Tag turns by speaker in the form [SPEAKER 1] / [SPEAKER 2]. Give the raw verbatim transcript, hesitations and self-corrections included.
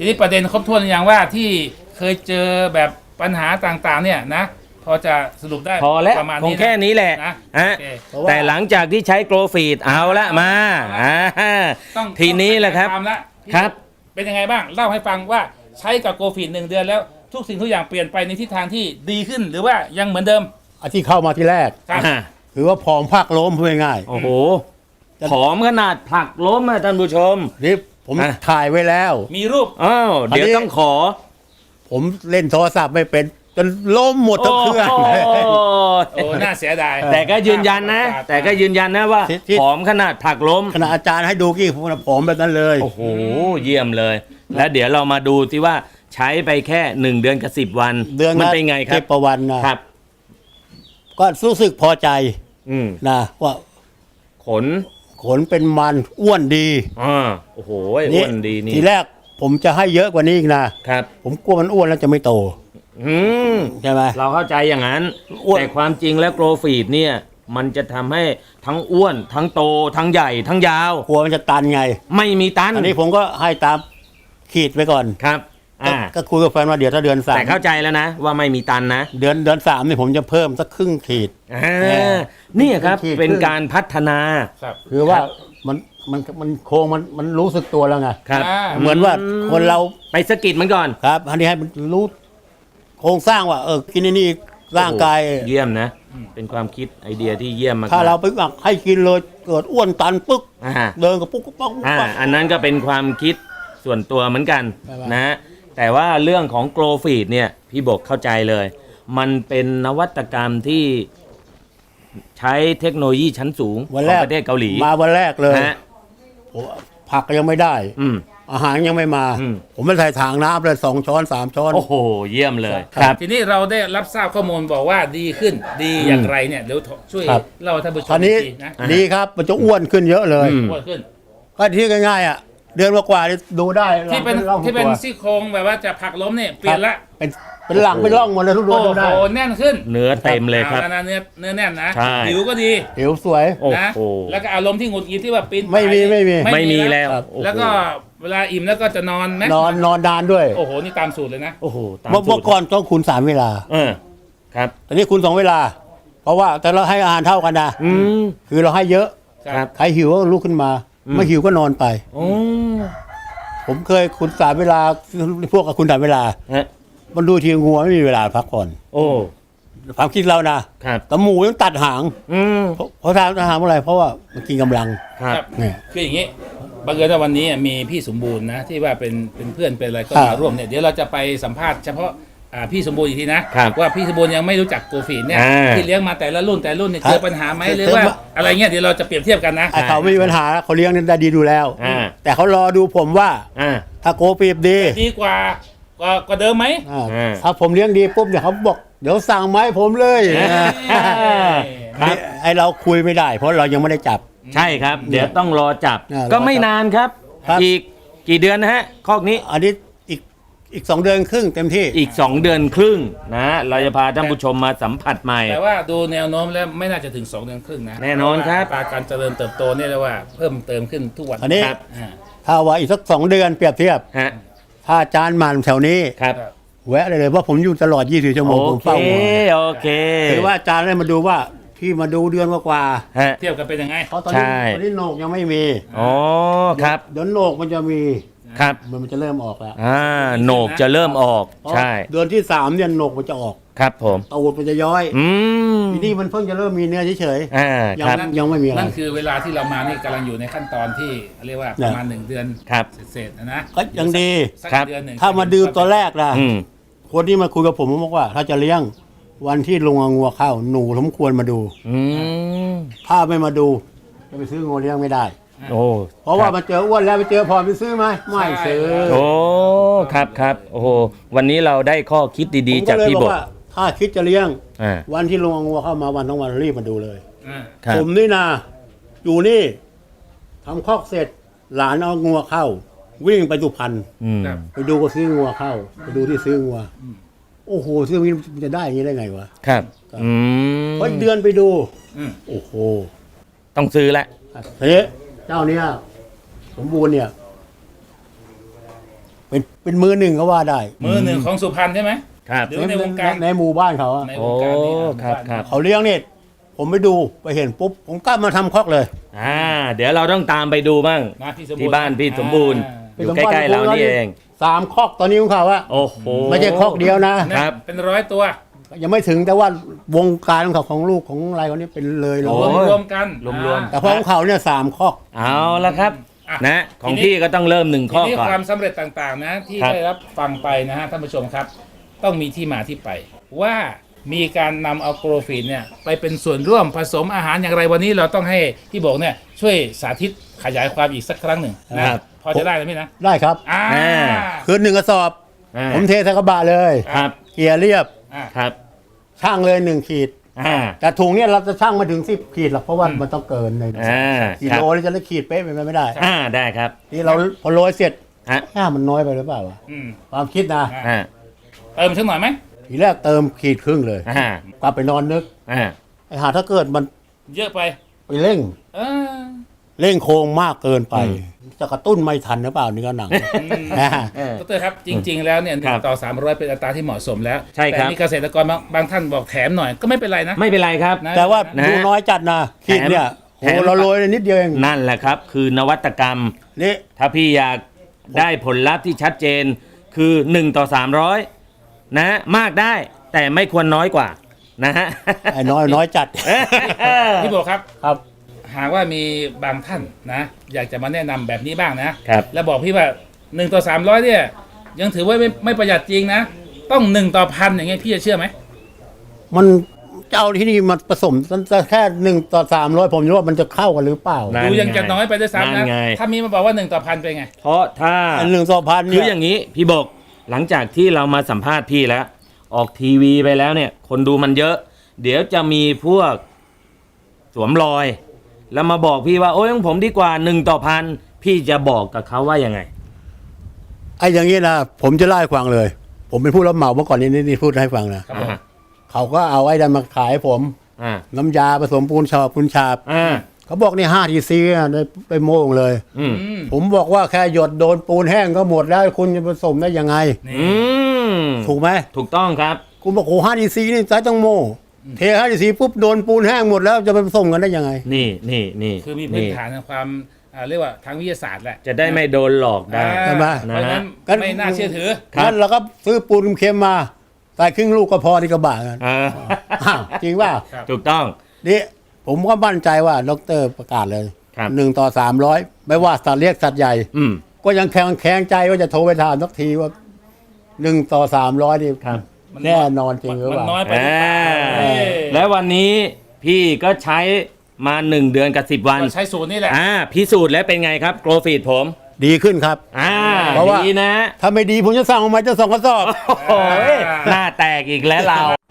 [SPEAKER 1] ทีนี้ประเด็นครบถ้วนอย่างว่าที่เคยเจอแบบปัญหาต่างๆเนี่ยนะพอจะสรุปได้
[SPEAKER 2] พอแล้ว
[SPEAKER 1] ประมาณ
[SPEAKER 2] คง
[SPEAKER 1] นี้
[SPEAKER 2] แค่นี้แหละ
[SPEAKER 1] นะ
[SPEAKER 2] ฮะ
[SPEAKER 1] โอเค
[SPEAKER 2] แต่หลังจากที่ใช้โกลฟีดเอาละมาอ่า
[SPEAKER 1] ต้อง
[SPEAKER 2] ทีนี้แหละครับ
[SPEAKER 1] ต้องตามละพี่
[SPEAKER 2] ครับ
[SPEAKER 1] เป็นยังไงบ้างเล่าให้ฟังว่าใช้กับโกฟีดหนึ่งเดือนแล้วทุกสิ่งทุกอย่างเปลี่ยนไปในทิศทางที่ดีขึ้นหรือว่ายังเหมือนเดิม
[SPEAKER 3] อันที่เข้ามาที่แรก
[SPEAKER 1] ครับ
[SPEAKER 2] อ่า
[SPEAKER 3] คือว่าผอมภาคล้มพูดง่าย
[SPEAKER 2] โอ้โหผอมขนาดผลักล้มอะท่านผู้ชม
[SPEAKER 3] ๆนี่ผม
[SPEAKER 2] อ่ะ
[SPEAKER 3] ถ่ายไว้แล้ว
[SPEAKER 1] มีรูป
[SPEAKER 2] อ้าวเดี๋ยว
[SPEAKER 3] อันนี้
[SPEAKER 2] ต้องขอ
[SPEAKER 3] ผมเล่นโทรศัพท์ไม่เป็นจนล้มหมดทั้งเครื่อง
[SPEAKER 2] โอ้โห
[SPEAKER 1] โอ้น่าเสียดาย
[SPEAKER 2] แต่ก็ยืนยันนะ แต่ก็ยืนยันนะว่า
[SPEAKER 3] ที่ที่
[SPEAKER 2] ผอมขนาดผลักล้ม
[SPEAKER 3] ขณะอาจารย์ให้ดูกี่ผมผอมแบบนั้นเลย
[SPEAKER 2] โอ้โหเยี่ยมเลย แล้วเดี๋ยวเรามาดูที่ว่าใช้ไปแค่หนึ่งเดือนกับสิบวัน
[SPEAKER 3] เดือน
[SPEAKER 2] มัน
[SPEAKER 3] ละ
[SPEAKER 2] เป็นไงครั
[SPEAKER 3] สิ
[SPEAKER 2] บ
[SPEAKER 3] ประวันนะครับ ก็รู้สึกพอใจ
[SPEAKER 2] อืม
[SPEAKER 3] นะว่า
[SPEAKER 2] ขน
[SPEAKER 3] ขนเป็นมันอ้วนดี
[SPEAKER 2] อ่าโอ้โหอ้วนดีนี่
[SPEAKER 3] ทีแรกผมจะให้เยอะกว่านี้อีกนะ
[SPEAKER 2] ครับ
[SPEAKER 3] ผมกลัวมันอ้วนแล้วจะไม่โต
[SPEAKER 2] อืม
[SPEAKER 3] ใช่ไหม
[SPEAKER 2] เราเข้าใจอย่างนั้น
[SPEAKER 3] อ้วน
[SPEAKER 2] แต่ความจริงแล้วโกลฟีดเนี่ย มันจะทำให้ทั้งอ้วน ทั้งโต ทั้งใหญ่ ทั้งยาว
[SPEAKER 3] กลัวมันจะตันไง
[SPEAKER 2] ไม่มีตัน
[SPEAKER 3] อันนี้ผมก็ให้ตามขีดไปก่อน
[SPEAKER 2] ครับ
[SPEAKER 3] ก็
[SPEAKER 2] อ่า
[SPEAKER 3] ก็คุยกับแฟนว่าเดี๋ยวถ้าเดือนสาม
[SPEAKER 2] แต่เข้าใจแล้วนะ ว่าไม่มีตันนะ
[SPEAKER 3] เดือนเดือนสามนี่ผมจะเพิ่มสักครึ่งขีด
[SPEAKER 2] อ่านี่ครับ
[SPEAKER 3] ขีด
[SPEAKER 2] เป็นการพัฒนา
[SPEAKER 1] ครับ
[SPEAKER 3] คือว่ามันมันมันโครงมันมันรู้สึกตัวแล้วไง
[SPEAKER 2] ครับ
[SPEAKER 1] อ่า
[SPEAKER 3] เหมือนว่าคนเรา
[SPEAKER 2] ไปสะกิดมันก่อน
[SPEAKER 3] ครับ อันนี้ให้มันรู้โครงสร้างว่าเออกินไอ้นี่ร่างกาย
[SPEAKER 2] โอ้โหเยี่ยมนะ เป็นความคิดไอเดียที่เยี่ยมมาก
[SPEAKER 3] ถ้าเราไปหมักให้กินเลยเกิดอ้วนตันปึ๊ก
[SPEAKER 2] อ่า
[SPEAKER 3] เดินกับปุ๊กปุ๊กปุ๊กปุ๊ก
[SPEAKER 2] อ่า
[SPEAKER 3] ปุ๊ก
[SPEAKER 2] อันนั้นก็เป็นความคิดส่วนตัวเหมือนกัน
[SPEAKER 3] ใช่ปะ
[SPEAKER 2] นะ แต่ว่าเรื่องของโกลฟีดเนี่ย พี่บกเข้าใจเลย มันเป็นนวัตกรรมที่ใช้เทคโนโลยีชั้นสูงข
[SPEAKER 3] วัน
[SPEAKER 2] อ
[SPEAKER 3] แรง ก
[SPEAKER 2] ประเทศเกาหลี
[SPEAKER 3] มาวันแรกเลย
[SPEAKER 2] นะ
[SPEAKER 3] โอ้ผักก็ยังไม่ได้
[SPEAKER 2] อืม
[SPEAKER 3] อาหารยังไม่มา
[SPEAKER 2] อืม
[SPEAKER 3] ผมไม่ใส่ถังน้ำเลยสองช้อนสามช้อน
[SPEAKER 2] โอ้โห เยี่ยมเลย
[SPEAKER 3] ครับ
[SPEAKER 2] ครับ
[SPEAKER 1] ทีนี้เราได้รับทราบข้อมูลบอกว่าดีขึ้นดีอย่างไรเนี่ยเดี๋ยวช่วย
[SPEAKER 3] ครับ
[SPEAKER 1] เล่าให้ท่านผู้ช
[SPEAKER 3] ตอ
[SPEAKER 1] ม
[SPEAKER 3] นนี้
[SPEAKER 1] อีกทีนะ
[SPEAKER 3] ดีครับมันจะอ้วนขึ้นเยอะเลย
[SPEAKER 2] อืม
[SPEAKER 1] อ้วนขึ้น
[SPEAKER 3] ก็ที่ง่ายๆอ่ะเดือนกว่าๆนี่ดูได้
[SPEAKER 1] ที่เป็น
[SPEAKER 3] ร่อง
[SPEAKER 1] ที่เป็น
[SPEAKER 3] ตัว
[SPEAKER 1] ซี่โครงแบบว่าจะผลักล้มเนี่ยเปลี่ยนละ
[SPEAKER 3] เป็นเป็นหลังเป็นร่องหมดเลยทุกดว
[SPEAKER 1] โอ้
[SPEAKER 3] งดูได้
[SPEAKER 1] โหแน่นขึ้น
[SPEAKER 2] เนื้อเต็มเลยครับ
[SPEAKER 1] อาแล้วนะเนื้อเนื้อแน่นนะ
[SPEAKER 2] ใช่
[SPEAKER 1] ผิวก็ดี
[SPEAKER 3] ผิวสวย
[SPEAKER 2] โอ้
[SPEAKER 1] นะ
[SPEAKER 2] โห
[SPEAKER 1] แล้วก็อารมณ์ที่หงุดหงิดที่ว่าปีน
[SPEAKER 3] ไม่มี
[SPEAKER 1] ป่าย
[SPEAKER 3] ไม่มี
[SPEAKER 2] ไม่มีแล้ว
[SPEAKER 3] ครับ
[SPEAKER 2] โอ้โห
[SPEAKER 1] แล้วก็เวลาอิ่มแล้วก็จะนอนไหม
[SPEAKER 3] นอนนอนนานด้วย
[SPEAKER 1] โอ้โหนี่ตามสูตรเลยนะ
[SPEAKER 2] โอ้โหตาม
[SPEAKER 3] เมื่อ
[SPEAKER 2] สู
[SPEAKER 3] เมื่
[SPEAKER 2] ต
[SPEAKER 3] อ
[SPEAKER 2] ร
[SPEAKER 3] ก่อนต้องคูณสามเวลา
[SPEAKER 2] เออครับ
[SPEAKER 3] ตอนนี้คูณสองเวลา เพราะว่าแต่เราให้อาหารเท่ากันนะ
[SPEAKER 2] อืม
[SPEAKER 3] คือเราให้เยอะ
[SPEAKER 2] ครับ
[SPEAKER 3] ใครหิวก็ลุกขึ้นมา
[SPEAKER 2] อืม
[SPEAKER 3] ไม่หิวก็นอนไป
[SPEAKER 2] โอ้
[SPEAKER 3] ผมเคยคูณสามเวลาพวกกับคูณสามเวลา
[SPEAKER 2] ฮะ
[SPEAKER 3] มันดูทีงัวไม่มีเวลาพักผ่อน
[SPEAKER 2] โอ้
[SPEAKER 3] ความคิดเรานะครับ แต่หมูต้องตัดหาง
[SPEAKER 2] อืม
[SPEAKER 3] เพราะเพราะทางตัดหางเพราะอะไรเพราะว่ามันกินกำลัง
[SPEAKER 2] ครับ
[SPEAKER 3] เนี่ย
[SPEAKER 1] คืออย่างนี้บังเอิญว่าวันนี้มีพี่สมบูรณ์นะที่ว่าเป็นเป็นเพื่อนเป็นอะไรก็
[SPEAKER 3] ครับ
[SPEAKER 1] มาร่วมเนี่ยเดี๋ยวเราจะไปสัมภาษณ์เฉพาะอ่าพี่สมบูรณ์อีกทีนะครับ ว่าพี่สมบูรณ์ยังไม่รู้จักโกฟีนเนี่ย
[SPEAKER 2] อ่า
[SPEAKER 1] ที่เลี้ยงมาแต่ละรุ่นแต่ละรุ่นเนี่ย
[SPEAKER 3] ครับ
[SPEAKER 1] เจอปัญหาไหมหรือว่าอะไรเงี้ยเดี๋ยวเราจะเปรียบเทียบกันนะ
[SPEAKER 3] ไอ้เขาไม่มีปัญหาเขาเลี้ยงได้ดีดูแล้ว
[SPEAKER 2] อ่า
[SPEAKER 3] แต่เขารอดูผมว่า
[SPEAKER 2] อ่า
[SPEAKER 3] ถ้าโกปีบดี
[SPEAKER 1] ดีกว่ากว่ากว่าเดิมไหม
[SPEAKER 3] อ่า
[SPEAKER 2] อ่า
[SPEAKER 3] ถ้าผมเลี้ยงดีปุ๊บเดี๋ยวเขาบอกเดี๋ยวสั่งไมาให้ผมเลย
[SPEAKER 2] ครับ
[SPEAKER 3] ไอเราคุยไม่ได้ เพราะเรายังไม่ได้จับ
[SPEAKER 2] ใช่ครับ เดี๋ยวต้องรอจับ
[SPEAKER 3] อ่ารอจับ
[SPEAKER 2] ก็ไม่นานครับ
[SPEAKER 3] ครับ
[SPEAKER 2] อีกกี่เดือนนะฮะ คอกนี้
[SPEAKER 3] อันนี้อีกอีกสองเดือนครึ่งเต็มที่
[SPEAKER 2] อีก สอง เดือนครึ่งนะ เราจะพาท่านผู้ชมมาสัมผัสใหม่
[SPEAKER 1] แต่ว่าดูแนวโน้มแล้วไม่น่าจะถึงสองเดือนครึ่งนะ
[SPEAKER 2] แน่นอนครับ
[SPEAKER 1] เพาะว่าอัตราการเจริญเติบโตเนี่ยเรียกว่าเพิ่มเติมขึ้นทุกวัน
[SPEAKER 3] อันนี้
[SPEAKER 1] ครับอ่า
[SPEAKER 3] ถ้าว่าอีกสักสองเดือนเปรียบเทียบ
[SPEAKER 2] ฮะ
[SPEAKER 3] ถ้าอาจานมันแถวนี้
[SPEAKER 2] ครับ
[SPEAKER 3] แวะเลยเลยว่าผมอยู่ตลอดยี่สิบชั่วโมง
[SPEAKER 2] โอ
[SPEAKER 3] ผม
[SPEAKER 2] เค
[SPEAKER 3] เฝ้าหัว
[SPEAKER 2] โอเค
[SPEAKER 3] คือว่าอาจารย์ได้มาดูว่าที่มาดูเดือนกว่า
[SPEAKER 2] ฮะ
[SPEAKER 1] เทียบกันเป็นยังไง
[SPEAKER 3] ๆเพราะตอน
[SPEAKER 2] ใช่
[SPEAKER 3] นี้ตอนนี้โหนกยังไม่มี
[SPEAKER 2] อ๋อครับ
[SPEAKER 3] เดี๋ยวโหนกมันจะมี
[SPEAKER 2] ครับ
[SPEAKER 3] มันมันจะเริ่มออกแล้ว
[SPEAKER 2] อ่าโหนกจะเริ่มออก
[SPEAKER 3] เพราะ
[SPEAKER 2] ใช่
[SPEAKER 3] เดือนที่สามเนี่ยโหนกมันจะออก
[SPEAKER 2] ครับผม
[SPEAKER 3] ตูดมันจะย้อย
[SPEAKER 2] อืม
[SPEAKER 3] ทีนี้มันเพิ่งจะเริ่มมีเนื้อเฉย
[SPEAKER 2] อ่า
[SPEAKER 3] ๆยั
[SPEAKER 2] ครับ
[SPEAKER 3] ยังไม่มีอะไร
[SPEAKER 1] นั่นคือเวลาที่เรามานี่กำลังอยู่ในขั้นตอนที่เรียกว่าประมาณหนึ่งเดือน
[SPEAKER 2] ครับ
[SPEAKER 1] เศษๆนะนะ
[SPEAKER 3] ก็ยังดี
[SPEAKER 1] สัก
[SPEAKER 2] ครับ
[SPEAKER 1] เดือนหนึ่ง
[SPEAKER 3] ถ้ามาดูตัวแรกนะ
[SPEAKER 2] อืม
[SPEAKER 3] คนที่มาคุยกับผมผมบอกว่า ถ้าจะเลี้ยงวันที่ลงงัวเข้าหนูสมควรมาดู
[SPEAKER 2] อืม
[SPEAKER 3] ถ้าไม่มาดูจะไปซื้องัวเลี้ยงไม่ได้
[SPEAKER 2] โอ้
[SPEAKER 3] เพราะว่า
[SPEAKER 2] คบ
[SPEAKER 3] มาเจออ้วนแล้วไปเจอพอไปซื้อไหมไม่ซื้อ
[SPEAKER 2] โอ้ครับครับโอ้โหวันนี้เราได้ข้อคิดดี
[SPEAKER 3] ผม
[SPEAKER 2] ๆ จาก
[SPEAKER 3] เลย
[SPEAKER 2] พี่
[SPEAKER 3] บบ อ
[SPEAKER 2] อก ก
[SPEAKER 3] ว่า ถ้าคิดจะเลี้ยง
[SPEAKER 2] อ่า
[SPEAKER 3] วันที่ลงงัวเข้ามาวันทั้งวันรีบมาดูเลย
[SPEAKER 1] อ่า
[SPEAKER 2] ครับ
[SPEAKER 3] ผมนี่นะอยู่นี่ทำคอกเสร็จหลานเอางัวเข้า วิ่งไปสุพรรณ
[SPEAKER 2] อืม
[SPEAKER 1] ครับ
[SPEAKER 3] ไปดูก็ซื้องัวเข้า ไปดูที่ซื้องัวโอ้โหซื้ออย่างนี้มันจะได้อย่างนี้ได้ไงวะ
[SPEAKER 2] ครับอืม
[SPEAKER 3] เพราะเดือนไปดู
[SPEAKER 1] อืม
[SPEAKER 3] โอ้โห
[SPEAKER 2] ต้องซื้อแหละ
[SPEAKER 3] เฮ้ยเจ้าเนี้ยสมบูรณ์เนี่ยเป็นเป็นมือหนึ่งก็ว่าได้
[SPEAKER 1] มือหนึ่งของสุพรรณใช่ไหม
[SPEAKER 2] ครับ
[SPEAKER 1] หรือในวงการ
[SPEAKER 3] ในหมู่บ้านเขาอะ
[SPEAKER 1] ในว
[SPEAKER 2] โอ้
[SPEAKER 1] งการนี้
[SPEAKER 2] ครับครับ
[SPEAKER 3] เขาเลี้ยงเนี่ยผมไปดูไปเห็นปุ๊บผมก็มาทำคอกเลย
[SPEAKER 2] อ่าเดี๋ยวเราต้องตามไปดูบ้าง
[SPEAKER 1] นะพี่สมบูรณ์
[SPEAKER 2] ที่บ้านพี่สมบูรณ์
[SPEAKER 1] อ่า
[SPEAKER 2] อยู่ใกล้ๆเรานี่เอง
[SPEAKER 3] สามคอกตอนนี้ของเขาอะ
[SPEAKER 2] โอ้โห
[SPEAKER 3] ไม่ใช่คอกเดียวนะ
[SPEAKER 2] ครับ
[SPEAKER 1] เป็นร้อยตัว
[SPEAKER 3] ยังไม่ถึงแต่ว่าวงการของเขาของลูกของอะไรเขานี่เป็นเลยเล
[SPEAKER 2] โอ้
[SPEAKER 1] รวม
[SPEAKER 3] ย
[SPEAKER 1] รวมกัน
[SPEAKER 2] รวมๆ
[SPEAKER 3] แต่พอของเขาเนี่ยสามคอก
[SPEAKER 2] เอาละครับ
[SPEAKER 1] อ่ะ
[SPEAKER 2] นะของ
[SPEAKER 1] ทีนี้
[SPEAKER 2] พี่ก็ต้องเริ่มหนึ่ง
[SPEAKER 1] ที
[SPEAKER 2] ข้อ
[SPEAKER 1] นี้
[SPEAKER 2] ก่อน
[SPEAKER 1] ความสำเร็จต่างๆนะที่
[SPEAKER 2] ครับ
[SPEAKER 1] ได้รับฟังไปนะฮะท่านผู้ชมครับ ต้องมีที่มาที่ไป ว่ามีการนำเอาโกรฟีนเนี่ยไปเป็นส่วนร่วมผสมอาหารอย่างไรวันนี้เราต้องให้พี่โบกเนี่ยช่วยสาธิตขยายความอีกสักครั้งหนึ่งนะครับ พอจะได้ไหมนะ
[SPEAKER 3] ได้ครับ
[SPEAKER 1] อ่า
[SPEAKER 2] อ่า
[SPEAKER 3] คือหนึ่งกระสอบ
[SPEAKER 2] อ่า
[SPEAKER 3] ผมเทใส่กระบะเลย
[SPEAKER 2] ครับ
[SPEAKER 3] เกียร์เรียบ
[SPEAKER 1] อ่า
[SPEAKER 2] ครับ
[SPEAKER 3] ช่างเลยหนึ่งขีด
[SPEAKER 2] อ่า
[SPEAKER 3] แต่ถุงเนี่ยเราจะช่างมาถึงสิบขีดหรอกเพราะว่ามันต้องเกินเลย
[SPEAKER 2] อ่า
[SPEAKER 3] กิ
[SPEAKER 2] ครับ
[SPEAKER 3] โลนี่จะได้ขีดเป๊ะเป็นไปไม่ได้
[SPEAKER 2] อ่าได้ครับ
[SPEAKER 3] นี่เราพอโรยเสร็จ
[SPEAKER 2] ฮะ
[SPEAKER 3] หน้ามันน้อยไปหรือเปล่าวะ
[SPEAKER 1] อืม
[SPEAKER 3] ความคิดนะ
[SPEAKER 1] อ่า
[SPEAKER 2] อ่า
[SPEAKER 1] เติมสักหน่อยไหม
[SPEAKER 3] ทีแรกเติมขีดครึ่งเลย
[SPEAKER 2] อ่าก
[SPEAKER 3] ลับไปนอนนึก
[SPEAKER 2] อ่า
[SPEAKER 3] ไอ้หาถ้าเกิดมัน
[SPEAKER 1] เยอะไป
[SPEAKER 3] ไปเร่ง
[SPEAKER 1] เออ
[SPEAKER 3] เร่งโครงมากเกินไป จะกระตุ้นไม่ทันหรือเปล่าเนื้อหนังนะ
[SPEAKER 2] เออ
[SPEAKER 1] ดรครับจริง ๆ แล้วเนี่ยห
[SPEAKER 2] ครั
[SPEAKER 1] นึ่
[SPEAKER 2] บ
[SPEAKER 1] งต่อสามร้อยเป็นอัตราที่เหมาะสมแล้ว
[SPEAKER 2] ใช่ครับ
[SPEAKER 1] แต่มีเกษตรกรบางบางท่านบอกแถมหน่อยก็ไม่เป็นไรนะ
[SPEAKER 2] ไม่เป็นไรครับ
[SPEAKER 1] นะ
[SPEAKER 3] แต่ว่า
[SPEAKER 2] นะ
[SPEAKER 3] ดูน้อยจัดนะขีดเนี่ย
[SPEAKER 2] แถ
[SPEAKER 3] โอ้
[SPEAKER 2] ม
[SPEAKER 3] เราโรยนิดเดียวเอง
[SPEAKER 2] นั่นแหละครับ คือนวัตกรรม
[SPEAKER 3] นี่
[SPEAKER 2] ถ้าพี่อยากได้ผลลัพธ์ที่ชัดเจนคือหนึ่งต่อสามร้อยนะมากได้แต่ไม่ควรน้อยกว่านะฮะ
[SPEAKER 3] ไอ้น้อยน้อยจัด
[SPEAKER 1] พี่โบครับ
[SPEAKER 3] ครับ
[SPEAKER 1] หากว่ามีบางท่านนะ อยากจะมาแนะนำแบบนี้บ้างนะครับ แล้วบอกพี่ว่าหนึ่งต่อสามร้อยเนี่ยยังถือว่าไม่ไม่ประหยัดจริงนะ ต้องหนึ่งต่อพันอย่างเงี้ยพี่จะเชื่อไหม
[SPEAKER 3] มันจะเอาที่นี่มาผสมแค่หนึ่งต่อสามร้อยผมว่ามันจะเข้ากันหรือเปล่า
[SPEAKER 2] นั่น
[SPEAKER 1] ดูยังจะน้อยไปด้วยซ้ำ
[SPEAKER 2] นั่
[SPEAKER 1] นะ
[SPEAKER 2] นไง
[SPEAKER 1] ถ้ามีมาบอกว่าหนึ่งต่อพันเป็นไง
[SPEAKER 2] เพราะถ้า
[SPEAKER 3] อันหนึ่งต่อพัน
[SPEAKER 2] คื
[SPEAKER 3] เนี่
[SPEAKER 2] อย อย่างนี้พี่บกหลังจากที่เรามาสัมภาษณ์พี่แล้ว ออกทีวีไปแล้วเนี่ย คนดูมันเยอะ เดี๋ยวจะมีพวกสวมรอย แล้วมาบอกพี่ว่าโอ้ยของผมดีกว่าหนึ่งต่อพันพี่จะบอกกับเขาว่ายังไง
[SPEAKER 3] ไอ้อย่างนี้นะผมจะเล่าให้ฟังเลย ผมเป็นผู้รับเหมาเมื่อก่อนนี้นี่พูดให้ฟังนะครับ
[SPEAKER 1] ผม
[SPEAKER 2] อ่า
[SPEAKER 3] เขาก็เอาไอ้ดันมาขายให้ผม
[SPEAKER 2] อ่า
[SPEAKER 3] น้ำยาผสมปูนฉาบปูนฉาบ
[SPEAKER 2] อ่า
[SPEAKER 3] เขาบอกนี่ห้าทีซีได้ไปโม่งเลย
[SPEAKER 2] อืม
[SPEAKER 1] อืม
[SPEAKER 3] ผมบอกว่าแค่หยดโดนปูนแห้งก็หมดแล้วคุณจะผสมได้ยังไง
[SPEAKER 1] นี่
[SPEAKER 2] อืม
[SPEAKER 3] ถูกไหม
[SPEAKER 2] ถูกต้องครับ
[SPEAKER 3] คุณบอกโอ้ห้าทีซีนี่ใช้ต้องโม่เทห้าทีซีปุ๊บโดนปูนแห้งหมดแล้วจะไปผสมกันได้ยังไง
[SPEAKER 2] นี่นี่นี่
[SPEAKER 1] คือมีพื้นฐานทางความอ่าเรียกว่าทางวิทยาศาสตร์แหละ
[SPEAKER 2] จะได้ไม่โดนหลอกได้
[SPEAKER 1] อ่า
[SPEAKER 3] ใช่ไหม
[SPEAKER 1] เพราะฉะนั้น
[SPEAKER 3] นะฮะ
[SPEAKER 1] ไม่น่าเชื่อถือ
[SPEAKER 2] ครับ
[SPEAKER 3] งั้นเราก็ซื้อปูนเค็มมาใส่ครึ่งลูกก็พอที่กระบะกัน
[SPEAKER 2] อ่า
[SPEAKER 3] อ้าวจริงป่ะ
[SPEAKER 1] ครับ
[SPEAKER 2] ถูกต้อง
[SPEAKER 3] นี่ผมก็มั่นใจว่าดรประกาศเลย
[SPEAKER 2] ครับ
[SPEAKER 3] หนึ่งต่อสามร้อยไม่ว่าสัตว์เล็กสัตว์ใหญ่
[SPEAKER 2] อืม
[SPEAKER 3] ก็ยังแข็งแข็งใจว่าจะโทรไปถามสักทีว่าหนึ่งต่อสามร้อยนี่
[SPEAKER 2] ครับ
[SPEAKER 3] แน่นอนจริงหรือ
[SPEAKER 1] มั
[SPEAKER 3] เป
[SPEAKER 1] น
[SPEAKER 3] ล่า
[SPEAKER 1] น้อยไปหรือเปล่า
[SPEAKER 2] อ่า แล้ววันนี้พี่ก็ใช้มาหนึ่งเดือนกับสิบวัน
[SPEAKER 1] ก็ใช้สูตรนี่แหละ
[SPEAKER 2] อ่าพิสูจน์แล้วเป็นไงครับโกลฟีดผม
[SPEAKER 3] ดีขึ้นครับ
[SPEAKER 2] อ่า
[SPEAKER 3] เพราะว่า
[SPEAKER 2] ดีนะ
[SPEAKER 3] ถ้าไม่ดีผมจะสั่งออกมาจะสองกระสอบ
[SPEAKER 2] โอ้โหหน้าแตกอีกแล้วเรา